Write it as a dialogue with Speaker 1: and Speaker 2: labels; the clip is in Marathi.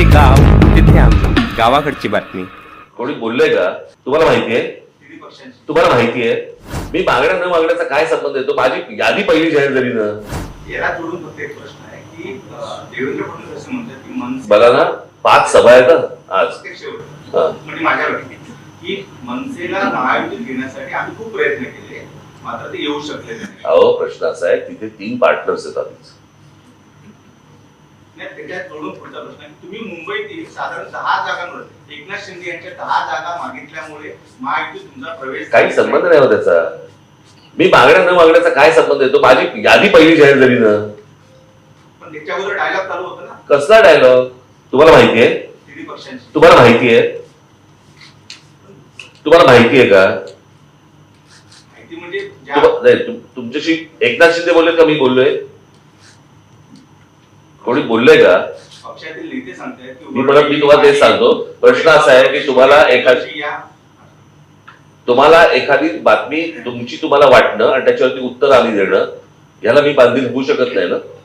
Speaker 1: जिथे गाव तिथे आम्ही, गावाकडची बातमी.
Speaker 2: कोणी बोललंय का? तुम्हाला माहितीये? तुम्हाला माहितीये मी मागण्या न मागण्याचा काय संबंध येतो? माझी यादी पहिली जाहीर झाली ना.
Speaker 3: याला जोडून फक्त एक प्रश्न आहे की देवेंद्र फडणवीस असं म्हणतात की मनसे
Speaker 2: बघा ना 5 सभा आहेत आज.
Speaker 3: म्हणजे माझ्या वाटते की मनसेला महायुतीत घेण्यासाठी आम्ही खूप प्रयत्न केले, मात्र ते येऊ शकले नाही.
Speaker 2: अहो प्रश्न असा आहे तिथे 3 पार्टनर्स आहेत आधीच.
Speaker 3: त्याच्यात जोडून पुढचा प्रश्न आहे, तुम्ही मुंबईतील साधारण 10 जागांवर एकनाथ शिंदे यांच्या 10 जागा मागितल्यामुळे महायुतीत तुमचा प्रवेश
Speaker 2: काही संबंध नाही हो त्याचा. मी मागण्या न मागण्याचा काय संबंध येतो? माझी यादी पहिली जाहीर झाली ना.
Speaker 3: पण त्याच्यावर डायलॉग चालू होता ना.
Speaker 2: कसला डायलॉग? तुम्हाला माहितीये?
Speaker 3: तिन्ही पक्षांची.
Speaker 2: तुम्हाला माहितीये? तुम्हाला माहितीये का?
Speaker 3: माहिती म्हणजे
Speaker 2: तुमच्याशी एकनाथ शिंदे बोलले का मी बोललोय? कोणी बोललंय का?
Speaker 3: पक्षातील नेते सांगतायत की
Speaker 2: मी तुम्हाला तेच सांगतो. प्रश्न असा आहे की तुम्हाला एखादी बातमी तुमची तुम्हाला वाटणं आणि त्याच्यावरती उत्तर आली देणं, याला मी बांधील होऊ शकत नाही ना.